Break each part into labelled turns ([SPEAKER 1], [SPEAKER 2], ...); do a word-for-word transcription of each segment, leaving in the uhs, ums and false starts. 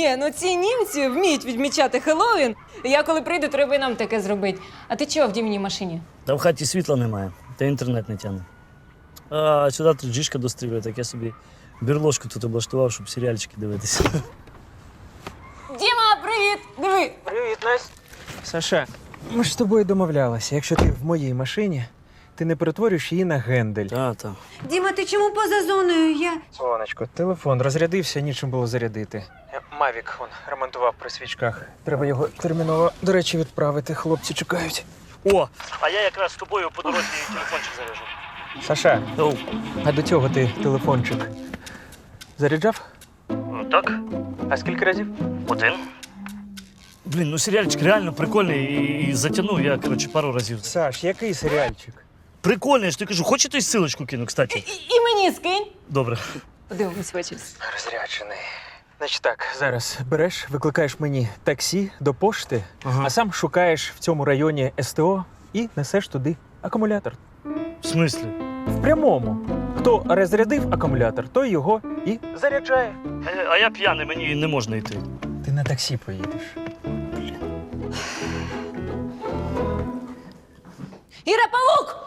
[SPEAKER 1] Ні, ну ці німці вміють відмічати Хеллоуін. Я коли прийду, треба і нам таке зробити. А ти чого в дімній машині?
[SPEAKER 2] Та в хаті світла немає, та інтернет не тягне. А сюди тут джишка дострілює, так я собі бірложку тут облаштував, щоб серіальчики дивитися.
[SPEAKER 1] Діма, привіт! Диви!
[SPEAKER 3] Привіт, Настя. Саша, ми ж з тобою домовлялися. Якщо ти в моїй машині, ти не перетворюєш її на гендель.
[SPEAKER 2] Та, та.
[SPEAKER 4] Діма, ти чому поза зоною? Я...
[SPEAKER 3] Сонечко, телефон розрядився, нічим було зарядити. Мавік он ремонтував при свічках. Треба його терміново, до речі, відправити. Хлопці чекають.
[SPEAKER 2] О, а я якраз з тобою по дорозі телефончик заряжу.
[SPEAKER 3] Саша,
[SPEAKER 2] Оу.
[SPEAKER 3] а до цього ти телефончик заряджав?
[SPEAKER 2] Так?
[SPEAKER 3] А скільки разів?
[SPEAKER 2] Один. Блін, ну серіальчик реально прикольний і, і затягнув я, коротше, пару разів.
[SPEAKER 3] Саш, який серіальчик?
[SPEAKER 2] Прикольний, я ж тобі кажу, хочете ссылочку кину, кстати?
[SPEAKER 1] І, і мені скинь.
[SPEAKER 2] Добре.
[SPEAKER 1] Подивимось ввечері.
[SPEAKER 3] Розряджений. Значить так, зараз береш, викликаєш мені таксі до пошти,
[SPEAKER 2] Ага.
[SPEAKER 3] а сам шукаєш в цьому районі СТО і несеш туди акумулятор.
[SPEAKER 2] В смислі?
[SPEAKER 3] В прямому. Хто розрядив акумулятор, той його і заряджає.
[SPEAKER 2] А, а я п'яний, мені не можна йти.
[SPEAKER 3] Ти на таксі поїдеш.
[SPEAKER 1] Іра, павук!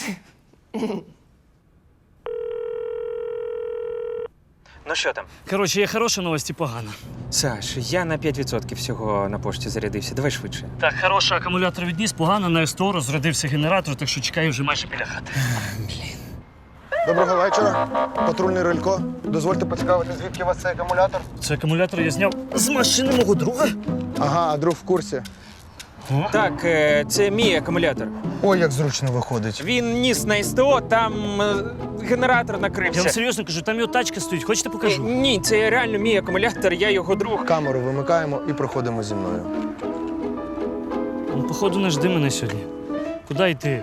[SPEAKER 3] Ну що там?
[SPEAKER 2] Коротше, є хороша новость і погана.
[SPEAKER 3] Саш, я на п'ять відсотків всього на пошті зарядився. Давай швидше.
[SPEAKER 2] Так, хороший акумулятор відніс, погано на СТО розрядився генератор, так що чекаю вже майже біля хати.
[SPEAKER 5] Доброго вечора. Патрульний Рилько. Дозвольте поцікавити, звідки у вас цей акумулятор?
[SPEAKER 2] Цей акумулятор я зняв з машини мого друга.
[SPEAKER 5] Ага, а друг в курсі.
[SPEAKER 3] Так, е, це мій акумулятор.
[SPEAKER 5] Ой, як зручно виходить.
[SPEAKER 3] Він ніс на СТО, там е, генератор
[SPEAKER 2] Я
[SPEAKER 3] накрився.
[SPEAKER 2] вам серйозно кажу, там його тачка стоїть, хочете
[SPEAKER 3] Е,
[SPEAKER 2] покажу?
[SPEAKER 3] Ні, це реально мій акумулятор, я його друг.
[SPEAKER 5] Камеру вимикаємо і проходимо зі мною.
[SPEAKER 2] Ну, походу, не жди мене сьогодні. Куди йти?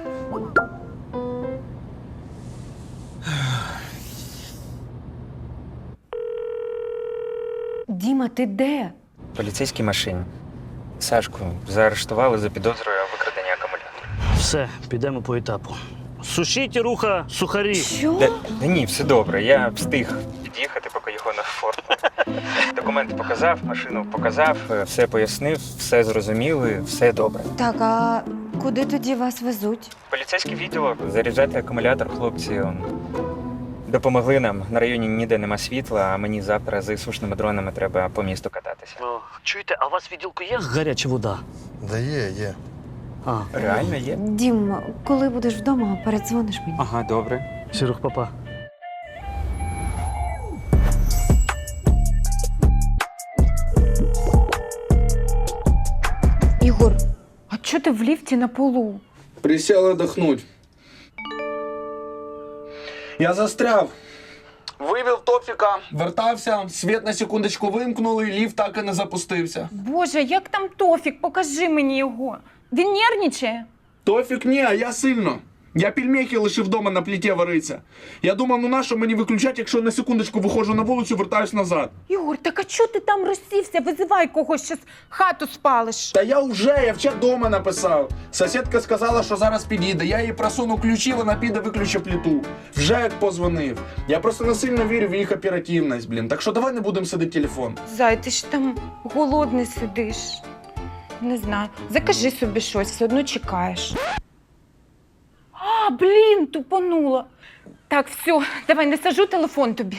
[SPEAKER 1] Діма, ти де?
[SPEAKER 3] В поліцейській машині. Сашку заарештували за підозрою викрадення акумулятора.
[SPEAKER 2] Все, підемо по етапу. Сушіть руха, сухарі.
[SPEAKER 1] Що?
[SPEAKER 3] Та, та ні, все добре. Я встиг під'їхати, поки його не оформили. Документи показав, машину показав, все пояснив, все зрозуміли, все добре.
[SPEAKER 4] Так, а куди тоді вас везуть?
[SPEAKER 3] Поліцейський відділок, заряджати акумулятор, хлопці. Он, допомогли нам. На районі ніде нема світла, а мені завтра з сушними дронами треба по місту кататися.
[SPEAKER 2] О, чуєте, а у вас в відділку є гаряча вода?
[SPEAKER 5] Да є, є.
[SPEAKER 2] А,
[SPEAKER 3] Реально є?
[SPEAKER 4] Дім, коли будеш вдома, передзвониш мені.
[SPEAKER 3] Ага, добре.
[SPEAKER 2] Сірух, папа.
[SPEAKER 1] Ігор, а чого ти в ліфті на полу?
[SPEAKER 6] Присел отдохнуть. Я застряв. Вивів Тофіка, вертався, світ на секундочку вимкнули, ліфт так і не запустився.
[SPEAKER 7] Боже, як там Тофік? Покажи мені його. Він нервничає?
[SPEAKER 6] Тофік ні, а я сильно. Я пельмехи лишив вдома на пліті вариться. Я думав, ну нащо мені виключати, якщо на секундочку виходжу на вулицю, вертаюсь назад.
[SPEAKER 7] Ігор, так а чого ти там розсівся? Визивай когось, щас хату спалиш.
[SPEAKER 6] Та я вже, я вчора дома написав. Сусідка сказала, що зараз підійде. Я їй просуну ключі, вона піде, виключи плиту. Вже як позвонив. Я просто не сильно вірю в їх оперативність, блін. Так що давай не будемо сидити телефон.
[SPEAKER 7] Зай, ти ж там голодний сидиш. Не знаю. Закажи собі щось, все одно чекаєш. А, блін, тупонула. Так, все, давай, не сажу телефон тобі.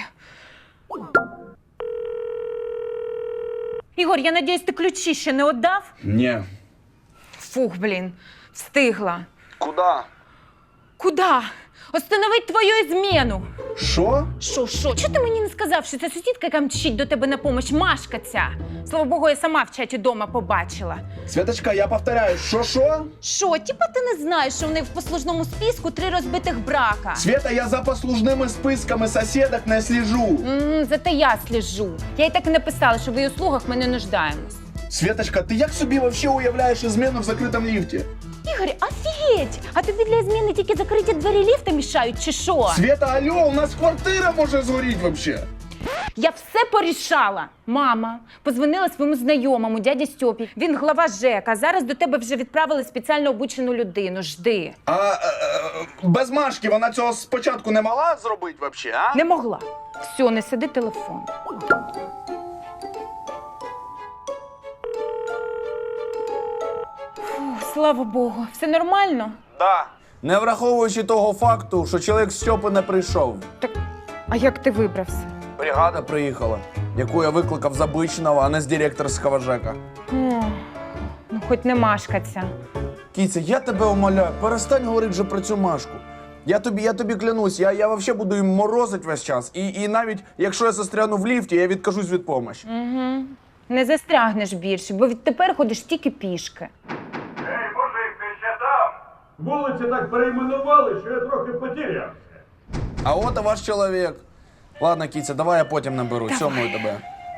[SPEAKER 7] Ігор, я надіюсь, ти ключі ще не віддав?
[SPEAKER 6] Ні.
[SPEAKER 7] Фух, блін, встигла.
[SPEAKER 6] Куда?
[SPEAKER 7] Куда? Остановить твою зміну.
[SPEAKER 6] Що?
[SPEAKER 7] Що, що? Чого ти мені не сказав, що це сусідка, яка мчить до тебе на помощь, Машка ця? Слава Богу, я сама в чаті дома побачила.
[SPEAKER 6] Святочка, я повторяю, що-що?
[SPEAKER 7] Що, типа ти не знаєш, що в них в послужному списку три розбитих брака?
[SPEAKER 6] Света, я за послужними списками сусідок не слежу.
[SPEAKER 7] М, зате я сліжу. Я й так і написала, що в її услугах ми не нуждаємось.
[SPEAKER 6] Светочка, ти як собі вообще уявляєш зміну в закритому ліфті?
[SPEAKER 7] Ігор, офігеть! А тобі для зміни тільки закриті двері ліфта мішають, чи що?
[SPEAKER 6] Света, алло, у нас квартира може згоріти вообще.
[SPEAKER 7] Я все порішала. Мама позвонила своєму знайомому, дяді Стьопі. Він глава ЖЕК, а зараз до тебе вже відправили спеціально обучену людину. Жди.
[SPEAKER 6] А е, е, без Машки вона цього спочатку не могла зробити вообще, а?
[SPEAKER 7] Не могла. Все, не сиди телефон. слава Богу. Все нормально?
[SPEAKER 6] Да. Не враховуючи того факту, що чоловік з Стьопи не прийшов.
[SPEAKER 7] Так, а як ти вибрався?
[SPEAKER 6] Бригада приїхала, яку я викликав з обичного, а не з директорського ЖЕКа.
[SPEAKER 7] О, ну хоч не машкаться.
[SPEAKER 6] Кіця, я тебе умоляю, перестань говорити вже про цю Машку. Я тобі, я тобі клянусь, я, я взагалі буду їм морозити весь час. І, і навіть якщо я застряну в ліфті, я відкажусь від допомоги.
[SPEAKER 7] Угу. Не застрягнеш більше, бо відтепер ходиш тільки пішки.
[SPEAKER 8] Ей, мужик, ти ще там? Вулиці так перейменували, що я трохи потерявся.
[SPEAKER 6] А от і ваш чоловік. Ладно, Кіця, давай я потім наберу. Цьомую тебе.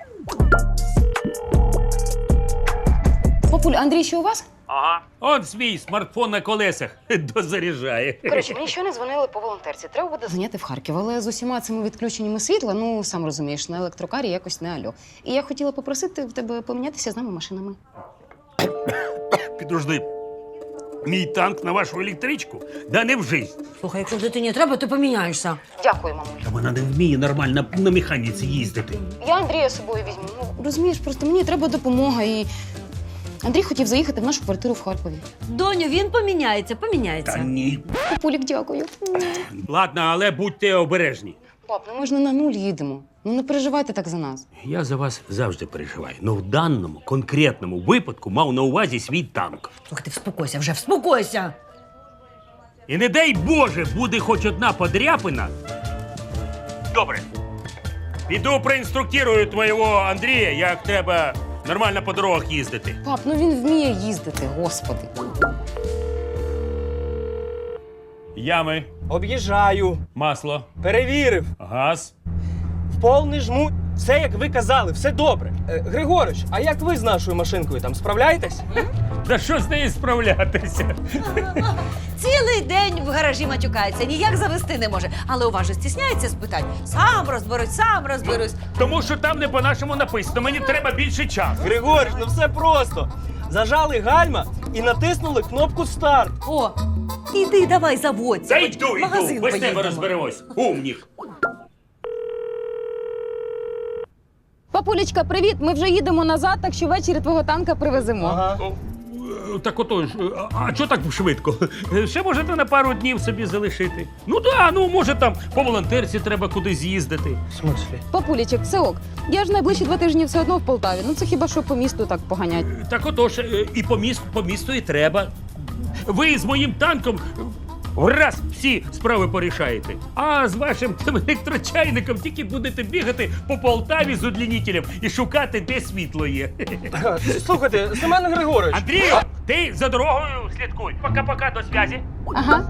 [SPEAKER 9] Папуль, Андрій ще у вас?
[SPEAKER 10] Ага. Он свій смартфон на колесах дозаряджає.
[SPEAKER 9] Коротше, мені щойно дзвонили по волонтерці. Треба буде зайняти в Харків, але з усіма цими відключеннями світла, ну, сам розумієш, на електрокарі якось не альо. І я хотіла попросити в тебе помінятися з нами машинами.
[SPEAKER 10] Підожди. Мій танк на вашу електричку? Да не в жизнь.
[SPEAKER 11] Слухай, якщо дитині треба, то поміняєшся.
[SPEAKER 9] Дякую, мамуль.
[SPEAKER 10] Та вона не вміє нормально на механіці їздити.
[SPEAKER 9] Я Андрія з собою візьму. Ну, розумієш, просто мені треба допомога і... Андрій хотів заїхати в нашу квартиру в Харкові.
[SPEAKER 11] Доню, він поміняється, поміняється.
[SPEAKER 10] Та ні.
[SPEAKER 9] Папулік, дякую.
[SPEAKER 10] Ладно, але будьте обережні.
[SPEAKER 9] Пап, ну ми ж не на нуль їдемо. Ну не переживайте так за нас.
[SPEAKER 10] Я за вас завжди переживаю. Ну в даному конкретному випадку мав на увазі свій танк.
[SPEAKER 11] Слухай, ти вспокойся, вже вспокойся.
[SPEAKER 10] І не дай Боже, буде хоч одна подряпина. Добре. Піду проінструктирую твого Андрія, як треба нормально по дорогах їздити.
[SPEAKER 9] Пап, ну він вміє їздити, господи.
[SPEAKER 10] Ями,
[SPEAKER 12] Об'їжджаю,
[SPEAKER 10] масло,
[SPEAKER 12] перевірив,
[SPEAKER 10] газ.
[SPEAKER 12] в повний жму. Все, як ви казали, все добре. Е, Григорич, а як ви з нашою машинкою там справляєтесь?
[SPEAKER 10] Да що з нею справлятися?
[SPEAKER 11] Цілий день в гаражі матюкається, ніяк завести не може. Але уважно стісняється спитань. Сам розберусь, сам розберусь.
[SPEAKER 10] Тому що там не по-нашому написано, мені треба більше часу.
[SPEAKER 12] Григорич, ну все просто. Зажали гальма і натиснули кнопку старт.
[SPEAKER 11] О, іди давай заводься.
[SPEAKER 10] Та
[SPEAKER 11] хоч
[SPEAKER 10] йду,
[SPEAKER 11] в магазин
[SPEAKER 10] йду, без тебе
[SPEAKER 11] поїдемо.
[SPEAKER 10] розберемось. Умніх.
[SPEAKER 9] Папулечка, привіт! Ми вже їдемо назад, так що ввечері твого танка привеземо.
[SPEAKER 12] Ага.
[SPEAKER 10] Е, Так отож, е, а чого так швидко? Е, Ще можете на пару днів собі залишити. Ну да, ну може там по волонтерці треба кудись з'їздити.
[SPEAKER 12] В смислі?
[SPEAKER 9] Папулечок, все ок. Я ж найближчі два тижні все одно в Полтаві. Ну це хіба що по місту так поганять.
[SPEAKER 10] Е, Так отож, е, і по місту, по місту і треба. Ви з моїм танком враз всі справи порішаєте. А з вашим тим електрочайником тільки будете бігати по Полтаві з удлінітелем і шукати, де світло є.
[SPEAKER 12] Слухайте, Семен Григорович.
[SPEAKER 10] Андрію, ти за дорогою слідкуй. Пока-пока, до зв'язі.
[SPEAKER 9] Ага.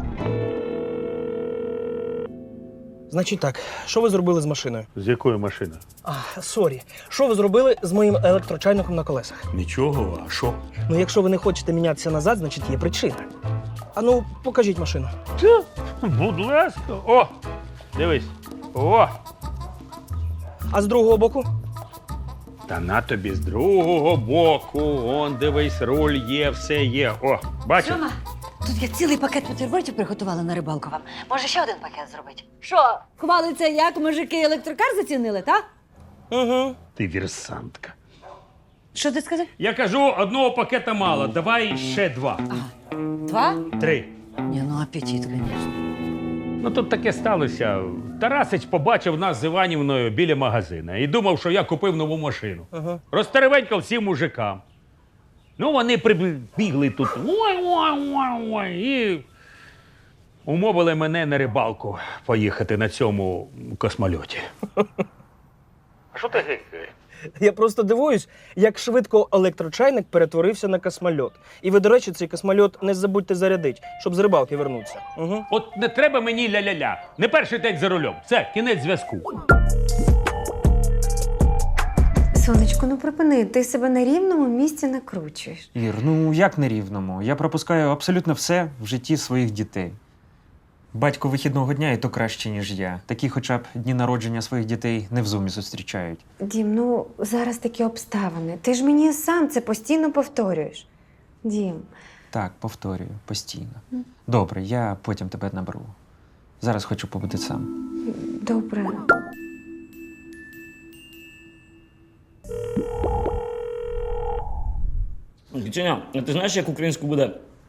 [SPEAKER 12] Значить так, що ви зробили з машиною?
[SPEAKER 10] З якою машиною?
[SPEAKER 12] А, сорі. Що ви зробили з моїм електрочайником на колесах?
[SPEAKER 10] Нічого, а що?
[SPEAKER 12] Ну, якщо ви не хочете мінятися назад, значить є причина. А ну, покажіть машину.
[SPEAKER 10] Будь ласка. О, дивись. О,
[SPEAKER 12] А з другого боку?
[SPEAKER 10] та на тобі з другого боку. Он, дивись, руль є, все є. О, бачиш?
[SPEAKER 11] Рома, тут я цілий пакет бутербродів приготувала на рибалку вам. Може, ще один пакет зробити? Що, хвалиться, як мужики електрокар зацінили, так?
[SPEAKER 12] Угу.
[SPEAKER 10] Ти вірсантка.
[SPEAKER 11] Що ти сказав?
[SPEAKER 10] Я кажу, одного пакета мало, давай ще два.
[SPEAKER 11] Два?
[SPEAKER 10] Три.
[SPEAKER 11] Ні, ну апетит, звісно.
[SPEAKER 10] Ну тут таке сталося. Тарасич побачив нас з Іванівною біля магазина і думав, що я купив нову машину.
[SPEAKER 12] Ага.
[SPEAKER 10] Розтеревенькав всім мужикам. Ну, вони прибігли тут. Ой-ой-ой-ой. І умовили мене на рибалку поїхати на цьому космольоті. А що ти гикаєш?
[SPEAKER 12] Я просто дивуюсь, як швидко електрочайник перетворився на космольот. І ви, до речі, цей космольот не забудьте зарядити, щоб з рибалки вернутися. Угу.
[SPEAKER 10] От не треба мені ля-ля-ля. Не перший день за рулем. Це кінець зв'язку.
[SPEAKER 4] Сонечко, ну припини, ти себе на рівному місці накручуєш.
[SPEAKER 3] Ір, ну як на рівному? Я пропускаю абсолютно все в житті своїх дітей. Батько вихідного дня і то краще, ніж я. Такі хоча б дні народження своїх дітей не в зумі зустрічають.
[SPEAKER 4] Дім, ну зараз такі обставини. Ти ж мені сам це постійно повторюєш. Дім.
[SPEAKER 3] Так, повторюю, постійно. Добре, я потім тебе наберу. Зараз хочу побути сам.
[SPEAKER 4] Добре.
[SPEAKER 2] Кітюня, а ти знаєш, як українською буде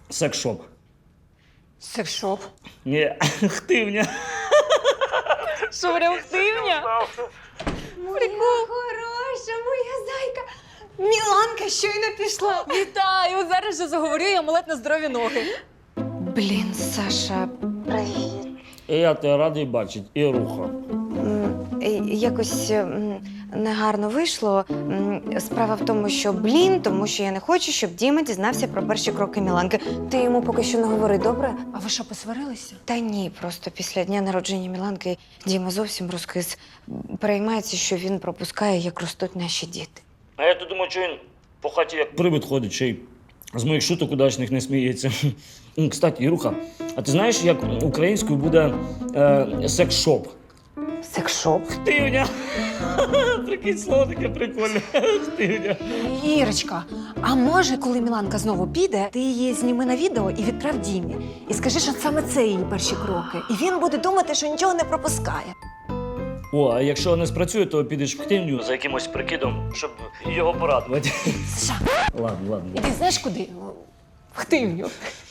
[SPEAKER 2] Секс-шоп.
[SPEAKER 1] Секшоп.
[SPEAKER 2] Ні, хтивня.
[SPEAKER 1] Що, прям хтивня?
[SPEAKER 4] Моя хороша, моя зайка. Міланка щойно пішла.
[SPEAKER 1] Вітаю! Зараз же заговорю і амулет на здорові ноги.
[SPEAKER 4] Блін, Саша, привіт.
[SPEAKER 2] І я тебе радий бачити, і руха.
[SPEAKER 4] М, е, Якось м, негарно вийшло. М, Справа в тому, що блін, тому що я не хочу, щоб Діма дізнався про перші кроки Міланки. Ти йому поки що не говори, добре?
[SPEAKER 1] А ви що, посварилися?
[SPEAKER 4] Та ні, просто після дня народження Міланки Діма зовсім розкис. Переймається, що він пропускає, як ростуть наші діти.
[SPEAKER 2] А я то думаю, що він по хаті як привид ходить, ще й з моїх шуток удачних не сміється. М, Кстати, Іруха, а ти знаєш, як українською буде е, секс-шоп?
[SPEAKER 4] Секшоп?
[SPEAKER 2] Хтивня! Прикинь, слово таке прикольне. Хтивня.
[SPEAKER 11] Ірочка, а може, коли Міланка знову піде, ти її зніми на відео і відправ Дімі. І скажи, що саме це її перші кроки. І він буде думати, що нічого не пропускає.
[SPEAKER 2] О, а якщо не спрацює, то підеш в хтивню за якимось прикидом, щоб його порадувати.
[SPEAKER 11] Саша,
[SPEAKER 2] Ладно, ладно.
[SPEAKER 1] Іди знаєш куди? В хтивню.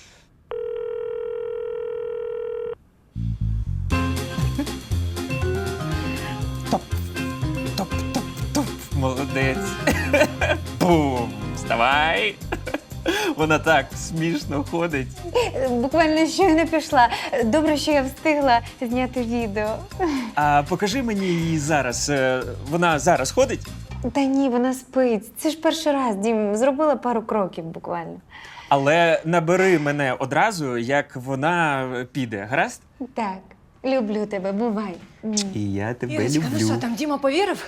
[SPEAKER 3] Молодець. Бум! Вставай! Вона так смішно ходить.
[SPEAKER 4] Буквально щойно пішла. Добре, що я встигла зняти відео.
[SPEAKER 3] А покажи мені її зараз. Е, Вона зараз ходить?
[SPEAKER 4] Та ні, вона спить. Це ж перший раз, Дім. Зробила пару кроків буквально.
[SPEAKER 3] Але набери мене одразу, як вона піде, гаразд?
[SPEAKER 4] Так, люблю тебе, бувай.
[SPEAKER 3] І я тебе
[SPEAKER 1] Ірочка, ну що, там Діма повірив?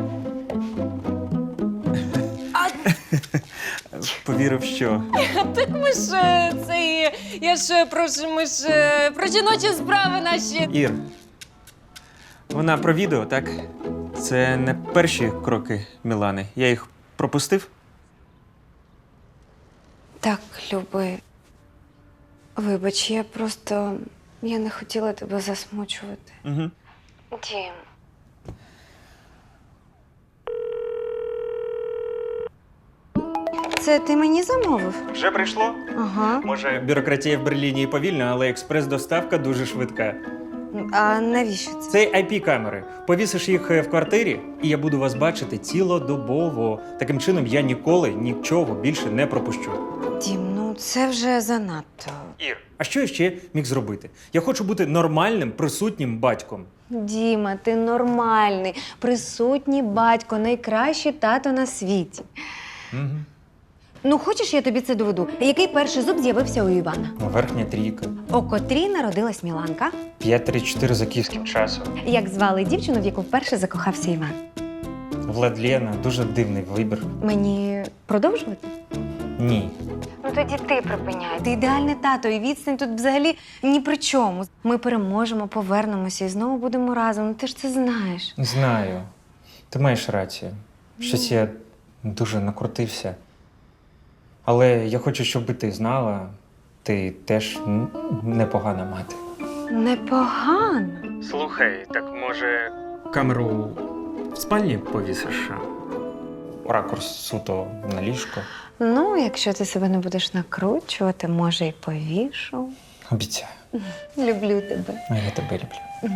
[SPEAKER 3] Повірив, що.
[SPEAKER 1] Так ми ж е, це. Я ж про ми ж е, про жіночі справи наші.
[SPEAKER 3] Ір, вона про відео, так? Це не перші кроки Мілани. Я їх пропустив?
[SPEAKER 4] Так, Люби. Вибач, я просто. Я не хотіла тебе засмучувати.
[SPEAKER 3] Угу.
[SPEAKER 4] Дім. Це ти мені замовив?
[SPEAKER 3] Вже прийшло?
[SPEAKER 4] Ага.
[SPEAKER 3] Може, бюрократія в Берліні і повільна, але експрес-доставка дуже швидка.
[SPEAKER 4] А навіщо це?
[SPEAKER 3] Це ай пі-камери. Повісиш їх в квартирі, і я буду вас бачити цілодобово. Таким чином, я ніколи нічого більше не пропущу.
[SPEAKER 4] Дім, ну це вже занадто.
[SPEAKER 3] Ір, а що я ще міг зробити? Я хочу бути нормальним, присутнім батьком.
[SPEAKER 4] Діма, ти нормальний, присутній батько, найкращий тато на світі.
[SPEAKER 3] Угу.
[SPEAKER 4] Ну, хочеш, я тобі це доведу? Який перший зуб з'явився у Івана?
[SPEAKER 3] Верхня трійка.
[SPEAKER 4] У котрій народилась Міланка?
[SPEAKER 3] п'ять три чотири за київським часом.
[SPEAKER 4] Як звали дівчину, в яку вперше закохався Іван?
[SPEAKER 3] Владлена, дуже дивний вибір.
[SPEAKER 4] Мені продовжувати?
[SPEAKER 3] Ні.
[SPEAKER 4] Ну тоді ти припиняй. Ти ідеальний тато, і відстань тут взагалі ні при чому. Ми переможемо, повернемося і знову будемо разом. Ну ти ж це знаєш.
[SPEAKER 3] Знаю. Ти маєш рацію. Щось я дуже накрутився. Але я хочу, щоб ти знала, ти теж н- непогана мати.
[SPEAKER 4] Непогано.
[SPEAKER 3] Слухай, так може камеру в спальні повісиш? Ракурс суто на ліжко.
[SPEAKER 4] Ну, якщо ти себе не будеш накручувати, може, і повішу.
[SPEAKER 3] Обіцяю.
[SPEAKER 4] Люблю тебе.
[SPEAKER 3] А я тебе люблю.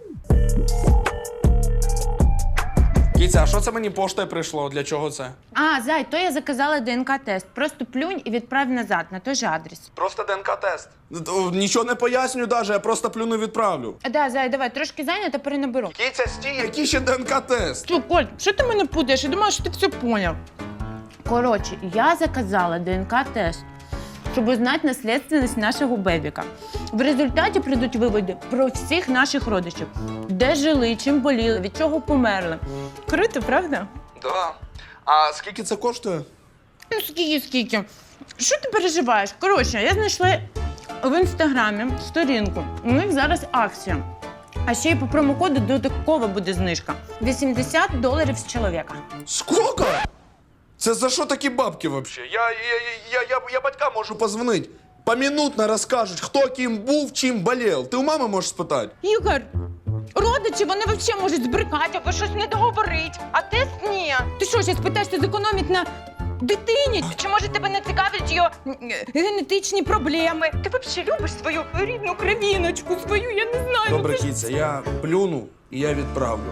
[SPEAKER 6] Кіця, а що це мені поштою прийшло? Для чого це?
[SPEAKER 7] А, зай, то я заказала ДНК-тест. Просто плюнь і відправ назад на той же адрес.
[SPEAKER 6] Просто ДНК-тест. Нічого не пояснюю навіть, я просто плюну відправлю.
[SPEAKER 7] А, да, зай, давай, трошки зайнята, перенаберу.
[SPEAKER 6] Кіця, стій, який ще ДНК-тест?
[SPEAKER 7] Що, Коль, що ти мене путаєш? Я думала, що ти все поняв. Коротше, я заказала ДНК-тест, щоб узнати наслідственність нашого бебіка. В результаті прийдуть виводи про всіх наших родичів. Де жили, чим боліли, від чого померли. Круто, правда?
[SPEAKER 6] Да. А скільки це коштує?
[SPEAKER 7] Ну, скільки, скільки. Що ти переживаєш? Коротше, я знайшла в інстаграмі сторінку. У них зараз акція. А ще й по промокоду додаткова буде знижка. вісімдесят доларів з чоловіка.
[SPEAKER 6] Скільки? Це за що такі бабки взагалі? Я, я, я, я, я батькам можу позвонити. Помінутно розкажуть, хто ким був, чим болів. Ти у мами можеш спитати?
[SPEAKER 7] Ігор, родичі, вони взагалі можуть збрикати або щось не договорити. А тест ні. Ти що, зараз питаєшся зекономити на Дитині? Чи може тебе не цікавлять його е, генетичні проблеми? Ти взагалі любиш свою рідну кровіночку, свою, я не знаю. ну
[SPEAKER 6] Добре,
[SPEAKER 7] це ж-
[SPEAKER 6] кіця, я плюну і я відправлю.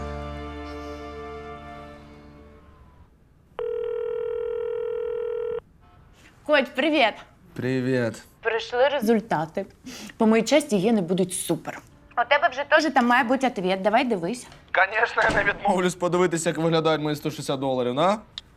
[SPEAKER 7] Коть, привіт.
[SPEAKER 6] Привіт.
[SPEAKER 7] Прийшли результати. По моїй честі, гени будуть супер. У тебе вже теж там має бути відповідь. Давай дивись.
[SPEAKER 6] Звісно, я не відмовлюсь подивитися, як виглядають мої сто шістдесят доларів, на?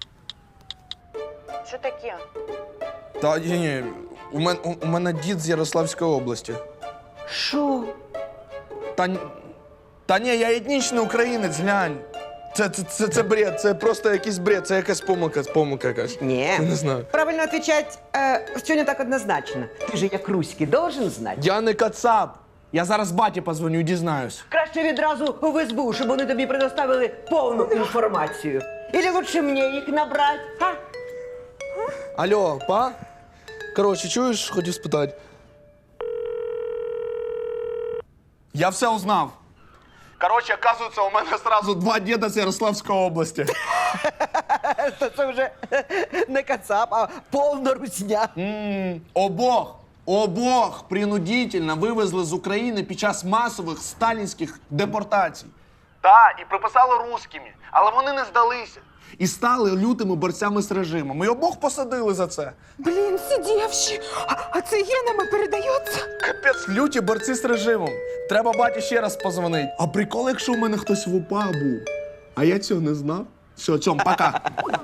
[SPEAKER 7] Що таке?
[SPEAKER 6] Та ні, ні. У, мен, у, у мене дід з Ярославської області.
[SPEAKER 7] Що?
[SPEAKER 6] Та, н- та ні, я етнічний українець, глянь. Це, це, це, це бред, це просто якийсь бред, це якась помилка, помилка якась.
[SPEAKER 13] Не.
[SPEAKER 6] Не знаю.
[SPEAKER 13] Правильно отвечать, э, все не так однозначно. Ти ж як руський должен знати.
[SPEAKER 6] Я не кацап. Я зараз баті позвоню і дізнаюсь.
[SPEAKER 13] Краще відразу в ес бе у, щоб вони тобі предоставили повну інформацію. Или лучше мені їх набрати, а?
[SPEAKER 6] Алло, па? Коротше, чуєш, хотів спитати. Я все узнав. Коротше, оказується, у мене одразу два діда з Ярославської області.
[SPEAKER 13] Це, це вже не кацап, а повна русня.
[SPEAKER 6] М, Обох, обох принудительно вивезли з України під час масових сталінських депортацій. Так, і приписали русскими, але вони не здалися. І стали лютими борцями з режимом. І обох посадили за це.
[SPEAKER 7] Блін, сидівші. А, а це генами передається?
[SPEAKER 6] Капець, люті борці з режимом. Треба баті ще раз позвонити. А прикол, якщо у мене хтось в УПА був. А я цього не знав. Все, цьом, пока.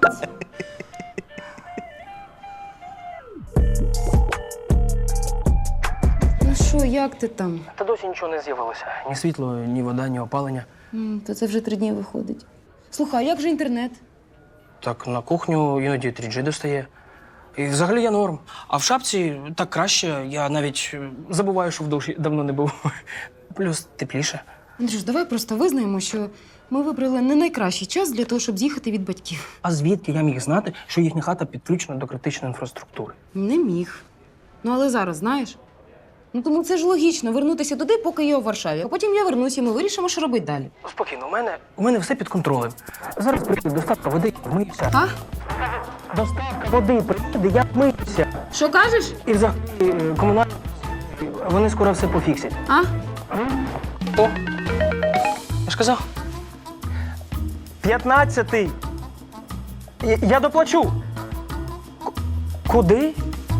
[SPEAKER 9] Ну що, як ти там?
[SPEAKER 12] Та досі нічого не з'явилося. Ні світло, ні вода, ні опалення.
[SPEAKER 9] М, то це вже три дні виходить. Слухай, а як же інтернет?
[SPEAKER 12] Так на кухню іноді три джі достає. І взагалі я норм. А в шапці так краще. Я навіть е, забуваю, що в душі давно не був. Плюс тепліше.
[SPEAKER 9] Андрюш, давай просто визнаємо, що ми вибрали не найкращий час для того, щоб з'їхати від батьків.
[SPEAKER 12] А звідки я міг знати, що їхня хата підключена до критичної інфраструктури?
[SPEAKER 9] Не міг. Ну, але зараз, знаєш. Ну, тому це ж логічно вернутися туди, поки я у Варшаві. А потім я вернусь, і ми вирішимо, що робити далі.
[SPEAKER 12] Спокійно, у мене, у мене все під контролем. Зараз прийде доставка води, я вмиюся.
[SPEAKER 9] А?
[SPEAKER 12] Доставка води приїде, я вмиюся.
[SPEAKER 9] Що кажеш?
[SPEAKER 12] І взагалі е, комунальні, вони скоро все пофіксять.
[SPEAKER 9] А?
[SPEAKER 12] О, я ж казав. П'ятнадцятий. Я, я доплачу. К- куди?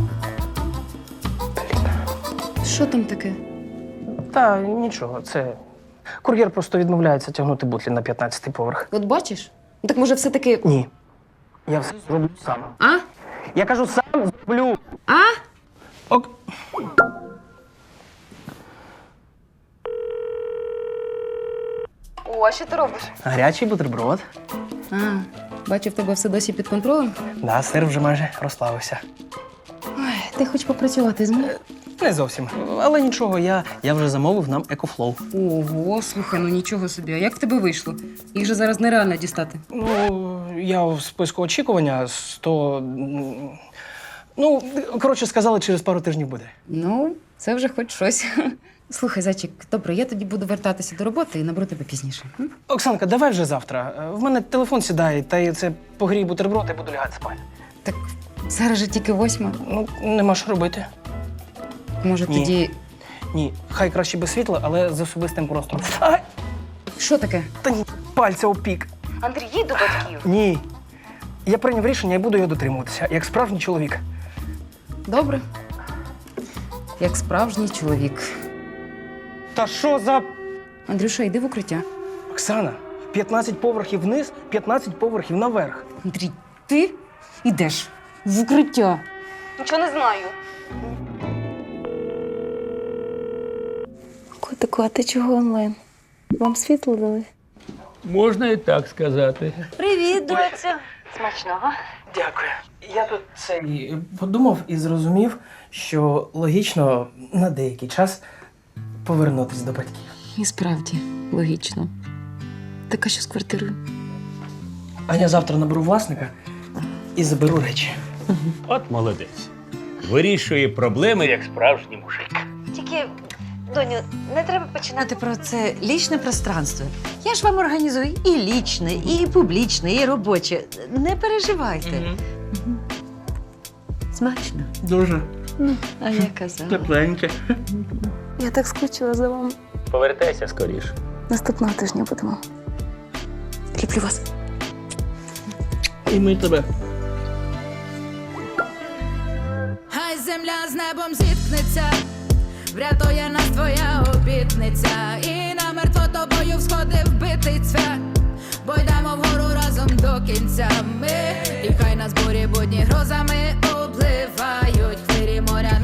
[SPEAKER 9] Що там таке?
[SPEAKER 12] Та нічого, це. Кур'єр просто відмовляється тягнути бутлі на п'ятнадцятий поверх.
[SPEAKER 9] От бачиш? Ну, так може все-таки.
[SPEAKER 12] Ні. Я все зроблю сам.
[SPEAKER 9] А?
[SPEAKER 12] Я кажу, сам зроблю.
[SPEAKER 9] А?
[SPEAKER 12] Ок.
[SPEAKER 4] О, а що ти робиш?
[SPEAKER 12] Гарячий бутерброд.
[SPEAKER 9] А, бачу, в тебе все досі під контролем.
[SPEAKER 12] Да, сир вже майже розплавився.
[SPEAKER 9] Ой, ти хоч попрацювати зміг?
[SPEAKER 12] Не зовсім. Але нічого, я, я вже замовив нам екофлоу.
[SPEAKER 9] Ого, слухай, ну нічого собі. А як в тебе вийшло? Їх же зараз нереально дістати.
[SPEAKER 12] Ну, я в списку очікування сто. м, Ну, коротше, сказали, через пару тижнів буде.
[SPEAKER 9] Ну, це вже хоч щось. Слухай, зайчик, добре, я тоді буду вертатися до роботи і наберу тебе пізніше. м?
[SPEAKER 12] Оксанка, давай вже завтра. Е, В мене телефон сідає, та й це погрій бутерброд, і буду лягати спати.
[SPEAKER 9] Так зараз же тільки восьма.
[SPEAKER 12] Ну, нема що робити.
[SPEAKER 9] Може,
[SPEAKER 12] Ні.
[SPEAKER 9] тоді.
[SPEAKER 12] Ні, хай краще без світла, але з особистим простором. А,
[SPEAKER 9] Що таке?
[SPEAKER 12] та ні, пальця опік.
[SPEAKER 4] Андрій, їдь до батьків.
[SPEAKER 12] Ні. Я прийняв рішення і буду його дотримуватися, як справжній чоловік.
[SPEAKER 9] Добре. Як справжній чоловік.
[SPEAKER 12] Та що за.
[SPEAKER 9] Андрюша, йди в укриття.
[SPEAKER 12] Оксана, п'ятнадцять поверхів вниз, п'ятнадцять поверхів наверх.
[SPEAKER 9] Андрій, ти йдеш в укриття.
[SPEAKER 4] Нічого не знаю.
[SPEAKER 11] Котику, а ти чого онлайн? Вам світло дали?
[SPEAKER 10] Можна і так сказати.
[SPEAKER 11] Привіт, доцю.
[SPEAKER 4] Смачного.
[SPEAKER 12] Дякую. Я тут цей подумав і зрозумів, що логічно на деякий час повернутися до батьків.
[SPEAKER 9] І справді, логічно. Так а що з квартирою?
[SPEAKER 12] А я завтра наберу власника і заберу речі.
[SPEAKER 10] От молодець. Вирішує проблеми, як справжній мужик.
[SPEAKER 11] Тільки, доню, не треба починати про це лічне пространство. Я ж вам організую і лічне, і публічне, і робоче. Не переживайте.
[SPEAKER 12] Мгм.
[SPEAKER 13] Смачно.
[SPEAKER 6] Дуже
[SPEAKER 13] А я казала.
[SPEAKER 6] тепленьке.
[SPEAKER 14] Я так скучила за вами.
[SPEAKER 10] Повертайся скоріше.
[SPEAKER 14] Наступного тижня будемо. Люблю вас.
[SPEAKER 6] І ми тебе.
[SPEAKER 15] Хай земля з небом зіткнеться, врятує нас твоя обітниця. І намертво тобою всходив битий цвях, бо йдемо вгору разом до кінця ми. І хай нас бурі будні грозами обливають, хвилі моря